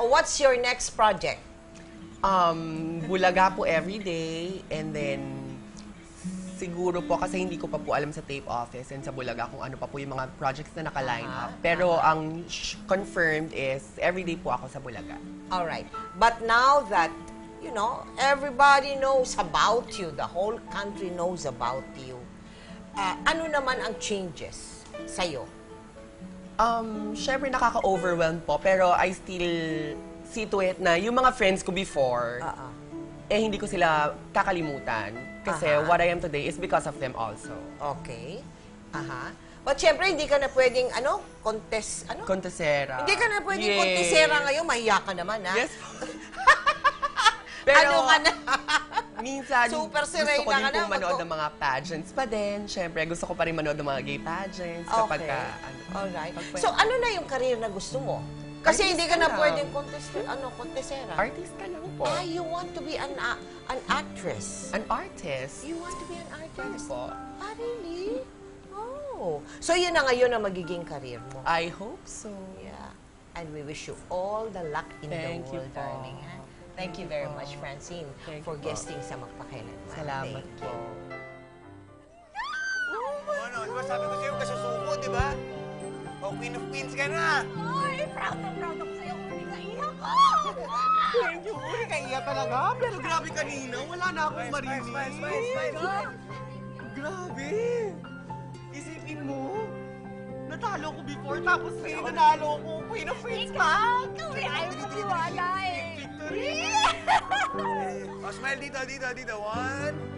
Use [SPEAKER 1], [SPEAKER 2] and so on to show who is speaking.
[SPEAKER 1] what's your next project?
[SPEAKER 2] Bulaga po everyday, and then siguro po kasi hindi ko pa po alam sa tape office and sa Bulaga kung ano pa po yung mga projects na naka-line up. Pero ang confirmed is everyday po ako sa Bulaga.
[SPEAKER 1] Alright. But now that, you know, everybody knows about you, the whole country knows about you, ano naman ang changes sa'yo?
[SPEAKER 2] Syempre nakaka-overwhelm po, pero I still see to it na yung mga friends ko before, hindi ko sila kakalimutan. Kasi what I am today is because of them also.
[SPEAKER 1] Okay. But syempre, hindi ka na pwedeng,
[SPEAKER 2] Contesera.
[SPEAKER 1] Hindi ka na pwedeng contesera ngayon, mahiya ka naman, ha?
[SPEAKER 2] Yes. Pero,
[SPEAKER 1] ano ka na?
[SPEAKER 2] minsan,
[SPEAKER 1] Super
[SPEAKER 2] gusto
[SPEAKER 1] sirena
[SPEAKER 2] ko din
[SPEAKER 1] ka na,
[SPEAKER 2] pong manood ng mga pageants pa din. Syempre, gusto ko pa rin manood ng mga gay pageants. Kapag
[SPEAKER 1] Okay.
[SPEAKER 2] ka,
[SPEAKER 1] Alright. So, ano na yung career na gusto mo? Kasi
[SPEAKER 2] Artist
[SPEAKER 1] hindi ka
[SPEAKER 2] ka
[SPEAKER 1] na
[SPEAKER 2] lang.
[SPEAKER 1] pwedeng contesera.
[SPEAKER 2] artist ka lang po.
[SPEAKER 1] You want to be an actress.
[SPEAKER 2] An artist.
[SPEAKER 1] You want to be an artist?
[SPEAKER 2] po.
[SPEAKER 1] Really? Oh. So, yun na ngayon ang magiging career mo.
[SPEAKER 2] I hope so.
[SPEAKER 1] Yeah. And we wish you all the luck in
[SPEAKER 2] Thank
[SPEAKER 1] the
[SPEAKER 2] you
[SPEAKER 1] world,
[SPEAKER 2] po.
[SPEAKER 1] darling. Ha? Thank you very much, Francine,
[SPEAKER 2] Thank
[SPEAKER 1] for
[SPEAKER 2] you po.
[SPEAKER 1] guesting sa Magpakailanman.
[SPEAKER 2] Salamat
[SPEAKER 1] Thank
[SPEAKER 2] po.
[SPEAKER 3] Ano, di ba sabi ko sa'yo, kasusuko, di ba? O, Queen of Queens ka na!
[SPEAKER 4] Ay, proud na proud ako sa'yo. Uli ka iyak ko!
[SPEAKER 2] Thank you po. Kaya talaga. Pero grabe kanina. Wala na akong marinig.
[SPEAKER 3] Smile.
[SPEAKER 2] Grabe. Isipin mo. Natalo ko before, tapos ngayon nanalo ko. Queen of Queens pa.
[SPEAKER 4] Ikaw eh, ayaw mo maniwala eh.
[SPEAKER 3] O, smile dito. 1,